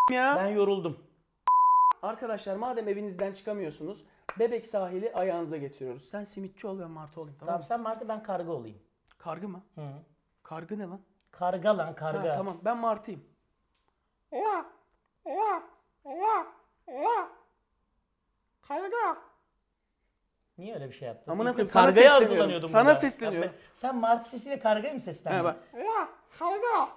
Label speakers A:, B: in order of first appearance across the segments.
A: ya.
B: Ben yoruldum.
A: Arkadaşlar madem evinizden çıkamıyorsunuz, Bebek sahili ayağınıza getiriyoruz. Sen simitçi ol, ben martı olayım, tamam
B: Tamam
A: mı?
B: sen martı, ben karga olayım.
A: Kargı mı?
B: Hı.
A: Kargı ne lan?
B: Karga lan, karga.
A: Ha, tamam, ben martıyım.
C: Karga.
B: Niye öyle bir şey yaptın?
A: Amına
B: İlk
A: koyayım,
B: gün
A: sana
B: kargaya
A: sesleniyorum.
B: hazırlanıyordum
A: Sana
B: burada.
A: sesleniyorum.
B: Sen martı sesiyle kargaya mı seslendin?
A: He bak.
C: Karga.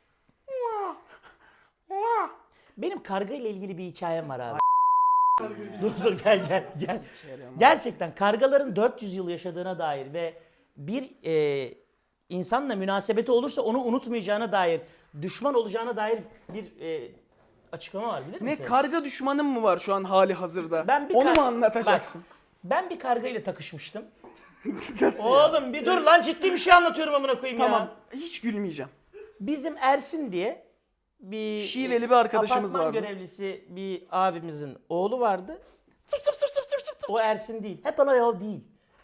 B: Benim karga ile ilgili bir hikayem var abi. dur gel. Gerçekten kargaların 400 yıl yaşadığına dair ve bir insanla münasebeti olursa onu unutmayacağına dair, düşman olacağına dair bir açıklama var, bilir
A: Ne,
B: misin?
A: karga düşmanın mı var şu an hali hazırda?
B: Ben bir
A: Onu
B: kar-
A: mu anlatacaksın?
B: Bak, ben bir karga ile takışmıştım.
A: Nasıl ya?
B: Oğlum bir dur lan, ciddi bir şey anlatıyorum amına koyayım
A: Tamam,
B: ya.
A: hiç gülmeyeceğim.
B: Bizim Ersin diye bir
A: Şiveli bir arkadaşımız
B: apartman
A: vardı.
B: görevlisi bir abimizin oğlu vardı.
A: Sırf sırf sırf sırf sırf sırf.
B: O Ersin değil. Hep ona yol değil.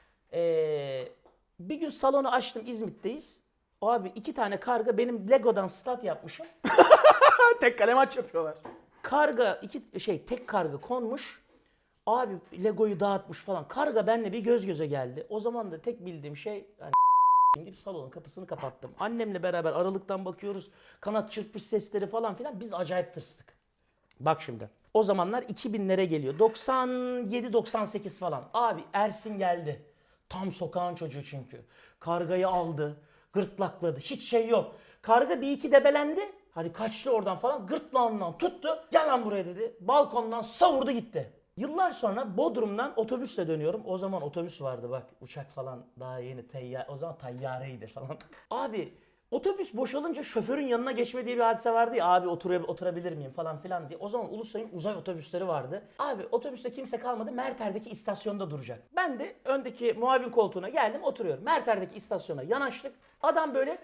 B: Bir gün salonu açtım, İzmit'teyiz. O abi 2 tane karga, benim Lego'dan stat yapmışım.
A: Tek kale maç yapıyorlar.
B: Karga tek karga konmuş. Abi Lego'yu dağıtmış falan. Karga benimle bir göz göze geldi. O zaman da tek bildiğim şey hani gidip salonun kapısını kapattım. Annemle beraber aralıktan bakıyoruz. Kanat çırpış sesleri falan filan. Biz acayip tırstık. Bak şimdi. O zamanlar 2000'lere geliyor. 97-98 falan. Abi Ersin geldi. Tam sokağın çocuğu çünkü. Kargayı aldı. Gırtlakladı. Hiç şey yok. Karga bir iki debelendi. Hani kaçtı oradan falan. Gırtlağından tuttu. Gel lan buraya dedi. Balkondan savurdu gitti. Yıllar sonra Bodrum'dan otobüsle dönüyorum. O zaman otobüs vardı bak. Uçak falan daha yeni. O zaman tayyareydi falan. Abi otobüs boşalınca şoförün yanına geçme diye bir hadise vardı ya. Abi oturabilir miyim falan filan diye. O zaman Ulusoy'un uzay otobüsleri vardı. Abi otobüste kimse kalmadı. Merter'deki istasyonda duracak. Ben de öndeki muavin koltuğuna geldim, oturuyorum. Merter'deki istasyona yanaştık. Adam böyle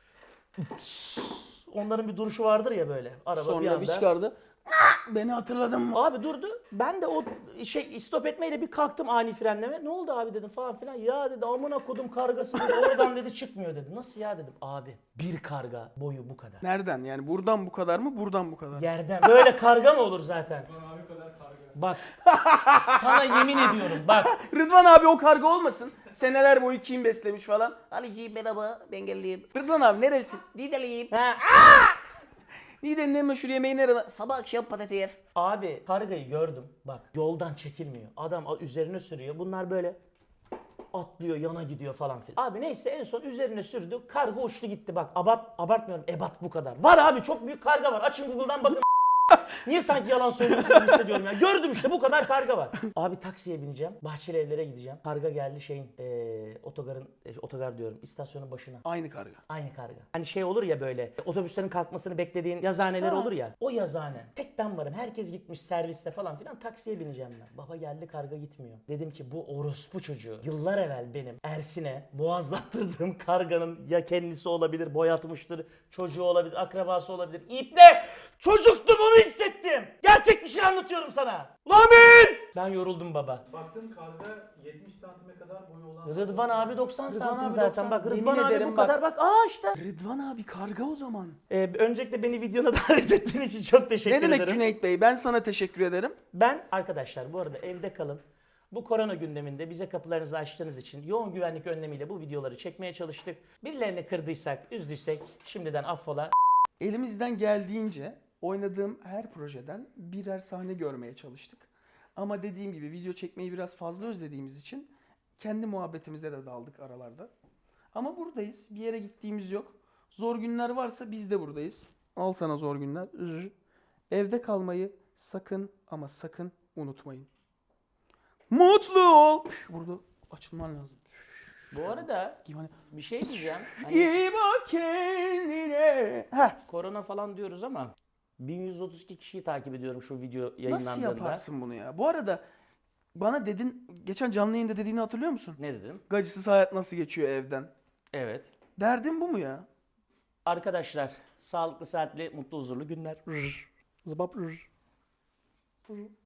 B: onların bir duruşu vardır ya böyle. Araba bir
A: Sonra
B: anda.
A: bir çıkardı. Beni hatırladın mı?
B: Abi durdu. Ben de o stop etmeyle bir kalktım ani frenleme. Ne oldu abi dedim falan filan. Ya dedi amına kodum kargası dedi. Oradan dedi çıkmıyor dedi. Nasıl ya dedim. Abi bir karga boyu bu kadar.
A: Nereden yani, buradan bu kadar mı, buradan bu kadar?
B: Yerden. Böyle karga mı olur zaten? Bak sana yemin ediyorum bak.
A: Rıdvan abi o karga olmasın. Seneler boyu kim beslemiş falan.
C: Alici merhaba, ben geldim.
A: Rıdvan abi nerelisin?
C: Nideliyim.
B: Ha,
A: Niğde'nin en meşhur yemeği nerede?
C: Sabah akşam patates.
B: abi kargayı gördüm. Bak yoldan çekilmiyor. Adam üzerine sürüyor. Bunlar böyle atlıyor, yana gidiyor falan filan. Abi neyse en son üzerine sürdü. Karga uçtu gitti bak. Abartmıyorum. Ebat bu kadar. Var abi, çok büyük karga var. Açın Google'dan bakın. Niye sanki yalan söylüyormuş gibi hissediyorum ya. Gördüm işte, bu kadar karga var. Abi taksiye bineceğim. Bahçeli Evler'e gideceğim. Karga geldi otogar diyorum, istasyonun başına.
A: Aynı karga.
B: Aynı karga. Hani şey olur ya böyle, otobüslerin kalkmasını beklediğin yazhaneler olur ya. O yazhane. Tek ben varım. Herkes gitmiş serviste falan filan. Taksiye bineceğim ben. Baba geldi, karga gitmiyor. Dedim ki bu orospu çocuğu yıllar evvel benim Ersin'e boğazlattırdığım karganın ya kendisi olabilir, boyatmıştır, çocuğu olabilir, akrabası olabilir. İpne! Çocuktum, onu hissettim. Gerçek bir şey anlatıyorum sana. Lamis! Ben yoruldum baba.
D: Baktım karga 70 santime kadar boyu olan.
B: Rıdvan abi 90 santim
A: abi
B: zaten.
A: 90.
B: Bak
A: Yemin
B: Rıdvan abi
A: ederim
B: bu
A: bak.
B: kadar. Bak işte.
A: Rıdvan abi karga o zaman.
B: Öncelikle beni videona davet ettiğin için çok teşekkür
A: Ne demek
B: ederim.
A: Cüneyt Bey? Ben sana teşekkür ederim.
B: Ben arkadaşlar bu arada evde kalın. Bu korona gündeminde bize kapılarınızı açtığınız için yoğun güvenlik önlemiyle bu videoları çekmeye çalıştık. Birilerini kırdıysak, üzdüysek şimdiden affola.
A: Elimizden geldiğince oynadığım her projeden birer sahne görmeye çalıştık. Ama dediğim gibi video çekmeyi biraz fazla özlediğimiz için kendi muhabbetimize de daldık aralarda. Ama buradayız. Bir yere gittiğimiz yok. Zor günler varsa biz de buradayız. Al sana zor günler. Evde kalmayı sakın ama sakın unutmayın. Mutlu ol. Burada açılman lazım.
B: Bu arada
A: Gibi hani,
B: bir şey diyeceğim. Hani
A: İyi bak kendine. Heh.
B: korona falan diyoruz ama 1132 kişiyi takip ediyorum şu video yayınlandığında.
A: Nasıl yaparsın bunu ya? Bu arada bana dedin, geçen canlı yayında dediğini hatırlıyor musun?
B: Ne dedim?
A: Gacısız hayat nasıl geçiyor evden?
B: Evet.
A: Derdin bu mu ya?
B: Arkadaşlar sağlıklı, saatli, mutlu, huzurlu günler.
A: Zıbap.